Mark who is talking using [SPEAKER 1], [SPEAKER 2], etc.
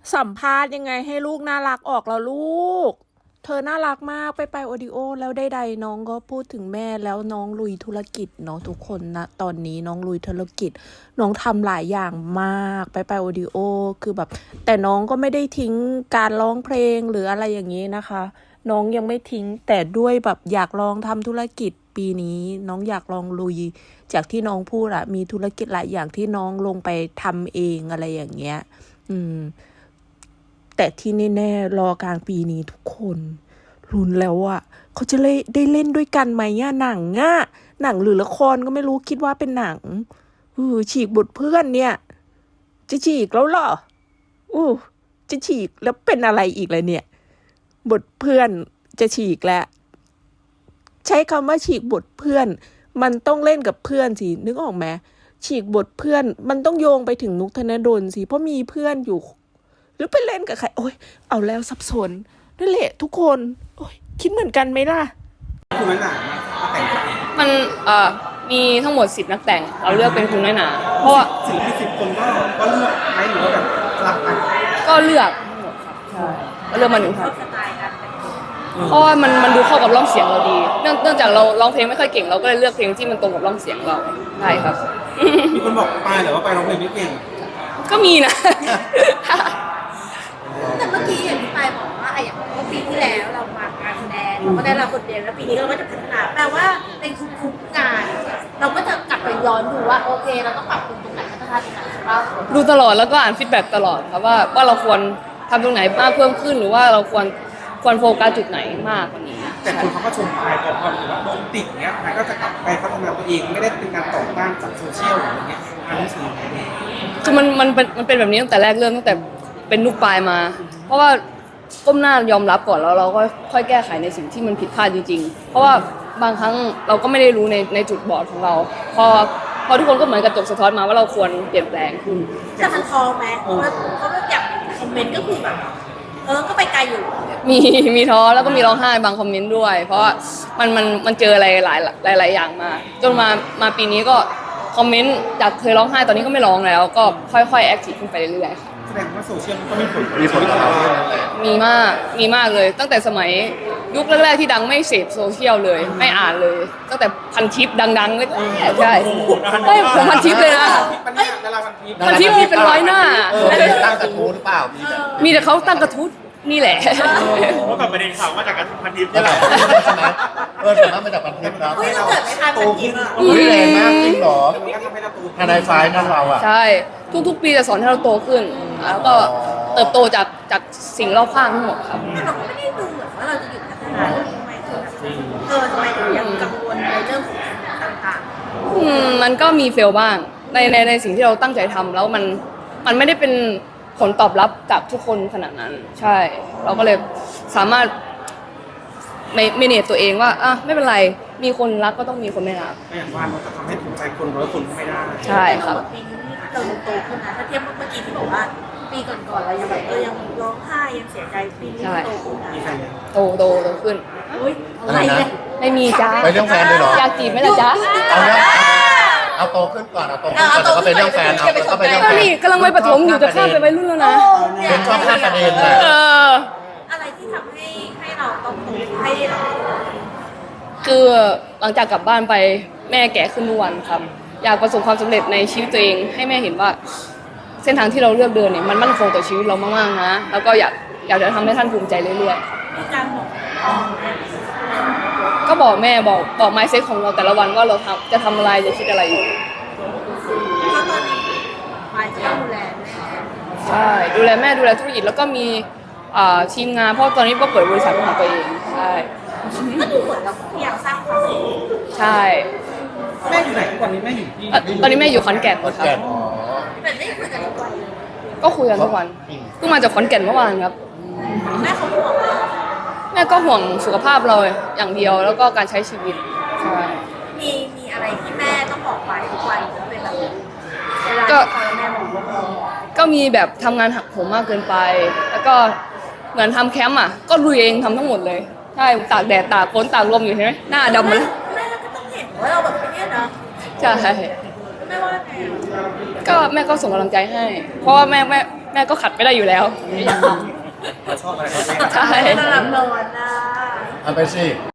[SPEAKER 1] สัมภาษณ์ยังไงให้ลูกน่ารักออกแล้วลูก เธอน่ารักมากไปโอดิโอแล้วใดๆน้องก็พูดถึงแม่แล้วน้องลุยธุรกิจเนาะทุกคนนะตอนนี้น้องลุยธุรกิจน้องทำหลายอย่างมากไปโอดิโอคือแบบแต่น้องก็ไม่ได้ทิ้งการร้องเพลงหรืออะไรอย่างนี้นะคะ น้องยังไม่ทิ้งแต่ด้วยแบบอยากลองทำธุรกิจปีนี้น้องอยากลองลุยจากที่น้องพูดอะมีธุรกิจหลายอย่างที่น้องลงไปทำเองอะไรอย่างเงี้ยแต่ที่แน่ๆรอกลางปีนี้ทุกคนลุ้นแล้วอะเขาจะได้เล่นด้วยกันไหมอะหนังหรือละครก็ไม่รู้คิดว่าเป็นหนังฉีกบทเพื่อนเนี่ยจะฉีกแล้วเหรอจะฉีกแล้วเป็นอะไรอีกเลยเนี่ยบทเพื่อนจะฉีกแล้วใช้คำว่าฉีกบทเพื่อนมันต้องเล่นกับเพื่อนสินึกออกไหมฉีกบทเพื่อนมันต้องโยงไปถึงนุกธนดลสิเพราะมีเพื่อนอยู่หรือไปเล่นกับใครโอ้ยเอาแล้วสับสนนั่นแหละทุกคนโอ้ยคิดเหมือนกันไหมล่ะ
[SPEAKER 2] คุณน้อยหนาแต่ง
[SPEAKER 3] มันมีทั้งหมด10นักแต่งเราเลือกเป็นคุณน้อยหนาเพราะว่า
[SPEAKER 2] ศิลปิน10 คนก็เลือกไหมหรือว่าแบบสลับกัน
[SPEAKER 3] ก็เลือกทั้งหมดครับใช่ก็เลือกมา1 ท่านเพราะว่ามันดูเข้ากับร่องเสียงเราดีเนื่องจากเราร้องเพลงไม่ค่อยเก่งเราก็เลยเลือกเพลงที่มันตรงกับร่องเสียงเราใช่ครับ
[SPEAKER 2] มีคนบอกปายเหรอว่าปายร้องเพลงไม่เก่ง
[SPEAKER 3] ก็มีนะ
[SPEAKER 4] แต่เมื่อกี้อย่างที่ปายบอกว่าอย่างปีที่แล้วเรามาการแสดงเราก็ได้รับบทเรียนแล้วปีนี้เราก็จะพัฒนาแปลว่าในทุกๆงานเราก็จะกลับไปย้อนดูว่าโอเคเราต้องปรับปรุงตรงไหนพัฒนาตรงไหนใช่ป่ะ
[SPEAKER 3] ดูตลอดแล้วก็อ่านฟีดแบ็กตลอดครับว่าเราควรทำตรงไหนมากเพิ่มขึ้นหรือว่าเราควรโฟกัสจุดไหนมากกว่านี้
[SPEAKER 2] แต่คนเขาก็ชมปายพอหรือว่าโดนติดเนี้ยปายก็จะกลับไปพัฒนาตัวเองไม่ได้เป็นการต่อต้านจากโซเชียลหรืออะไรเงี้ยอันนี้คือ
[SPEAKER 3] คือมันเป็นแบบนี้ตั้งแต่แรกเริ่มตั้งแต่เป็นลูกปลายมาเพราะว่าก้มหน้ายอมรับก่อนแล้วเราก็ค่อยแก้ไขในสิ่งที่มันผิดพลาดจริงๆเพราะว่าบางครั้งเราก็ไม่ได้รู้ในจุดบอดของเราพอทุกคนก็เหมือนกระจกสะท้อนมาว่าเราควรเปลี่ยนแปลงขึ้น
[SPEAKER 4] แต่มันท้อไหมเพราะว่าอย่างคอมเมนต์ก็คือแบบก็ไปไกลอยู่
[SPEAKER 3] มีท้อแล้วก็มีร้องไห้บางคอมเมนต์ด้วยเพราะว่ามันเจออะไรหลายอย่างมาจนมาปีนี้ก็คอมเมนต์จากเคยร้องไห้ตอนนี้ก็ไม่ร้องแล้วก็ค่อยๆแอคทีฟขึ้นไปเรื่อยๆค่ะ
[SPEAKER 2] แสดงว่าโซเชียลมันก็มีผลกับเรา
[SPEAKER 3] มีมากเลยตั้งแต่สมัยยุคแรกๆที่ดังไม่เสพโซเชียลเลยไม่อ่านเลยตั้งแต่พันทิปดังๆเลยใช่ผมพันทิปเลยนะพันทิปมีเป็น100 หน้า
[SPEAKER 5] ตั้งกระทู้หรือเปล่า
[SPEAKER 3] มีแต่เขาตั้งกระทู้นี่แหละ
[SPEAKER 6] เพราะกับประเด็นข่าวมาจากการพันทิปนี่แหละ
[SPEAKER 5] ใช่ไหมสามารถมาจากพันทิปนะ
[SPEAKER 4] เราเกิดไม่ทันมันกิน
[SPEAKER 5] แรงมากจริงหรอทนายไฟนั่นเราอ่ะ
[SPEAKER 3] ใช่ทุกๆปีจะสอนให้เราโตขึ้นแล้วก็เติบโตจากสิ่งรอบข้างทั้งหมดครับ
[SPEAKER 4] เราก็ไม่ได้ดูเหมือนว่าเราจะหยุดพัฒนาทำไมถึงยังกังวลในเรื่องของต่าง
[SPEAKER 3] ๆมันก็มีเฟลบ้างในสิ่งที่เราตั้งใจทำแล้วมันไม่ได้เป็นผลตอบรับจากทุกคนขนาดนั้นใช่เราก็เลยสามารถเมเนจตัวเองว่าไม่เป็นไรมีคนรักก็ต้องมีคนไม่รัก
[SPEAKER 2] อย่างว่าเราจะทำให้ถูกใจคน100 คนไม่ได้
[SPEAKER 3] ใช่ครับ
[SPEAKER 4] ปีนี้เราโตขึ้นนะถ้าเทียบเมื่อกี้ที่บอกว่าปีก่อนๆเรายังแบบยังร้องไห้ยังเสียใจปีนี้โตขึ้นนะ
[SPEAKER 3] โตขึ้น
[SPEAKER 4] อะไรเนี่ย
[SPEAKER 3] ไม่มีจ้า
[SPEAKER 5] ไปเรื่องแฟนเลยเหรอ
[SPEAKER 3] อยากจีบไหมล่ะจ๊ะ
[SPEAKER 5] เอาโตขึ้นก่อนเอาโตขึ้นก่อนแล้วก็ไปเรื่องแฟนก็ไปเรื่องแฟน
[SPEAKER 3] นี่กำลังไปประถมอยู่จะข้ามไปวัยรุ่นแล้วนะ
[SPEAKER 5] เป็นชอบข้ามประเด็นเลย
[SPEAKER 4] อะไรที่ทำให้เราต้องโตให้เรา
[SPEAKER 3] คือหลังจากกลับบ้านไปแม่แก่ขึ้นทุกวันครับอยากประสบความสำเร็จในชีวิตตัวเองให้แม่เห็นว่าเส้นทางที่เราเลือกเดินเนี่ยมันมั่นคงต่อชีวิตเรามากๆนะแล้วก็อยากจะทำให้ท่านภูมิใจเรื่อย
[SPEAKER 4] ๆการบอก
[SPEAKER 3] ก็บอกแม่บอก mindset ของเราแต่ละวันว่าเราจะทำอะไรจะคิดอะไรอยู่
[SPEAKER 4] เพราะตอนนี้มายจะดูแลแม่
[SPEAKER 3] ใช่ดูแลแม่ดูแลธุรกิจแล้วก็มีทีมงานเพราะตอนนี้ก็เปิดบริษัทของตัวเองใช่
[SPEAKER 4] ก็ดูเหมือนเราพยายามสร้างความสุข
[SPEAKER 3] ใช่
[SPEAKER 2] แม่อยู่ไหนตอนนี้แม่อยู่ที่
[SPEAKER 3] ตอนนี้แม่อยู่ขอนแก่นครับ
[SPEAKER 4] แต่ได้คุยกันทุกวัน
[SPEAKER 3] ก็คุยกันทุกวันเพิ่งมาจากขอนแก่นเมื่อวานครับ
[SPEAKER 4] แม่เขาบอก
[SPEAKER 3] แม่ก็ห่วงสุขภาพเราอย่างเดียวแล้วก็การใช้ชีวิตใช่
[SPEAKER 4] มีอะไรที่แม่ต้องบอกไปทุกวันเป็นแบบเวลาแม่บอก
[SPEAKER 3] ก็มีแบบทำงานหักโหมมากเกินไปแล้วก็เหมือนทำแคมป์ก็ลุยเองทำทั้งหมดเลยใช่ตากแดดตากฝนตากลมอยู่ใช่ไหมหน้าดำมาเลย
[SPEAKER 4] แม่ก็ต้องเห็นว่าเราแบบนี้เนาะ
[SPEAKER 3] ใช่
[SPEAKER 4] แม่ว่าไง
[SPEAKER 3] ก็แม่ก็ส่งกำลังใจให้เพราะว่าแม่แม่ก็ขัดไม่ได้อยู่แล้ว
[SPEAKER 2] เราชอบอะไรก็ได้
[SPEAKER 3] ใช่
[SPEAKER 4] ระดับนอนนะ
[SPEAKER 5] เอาไปสิ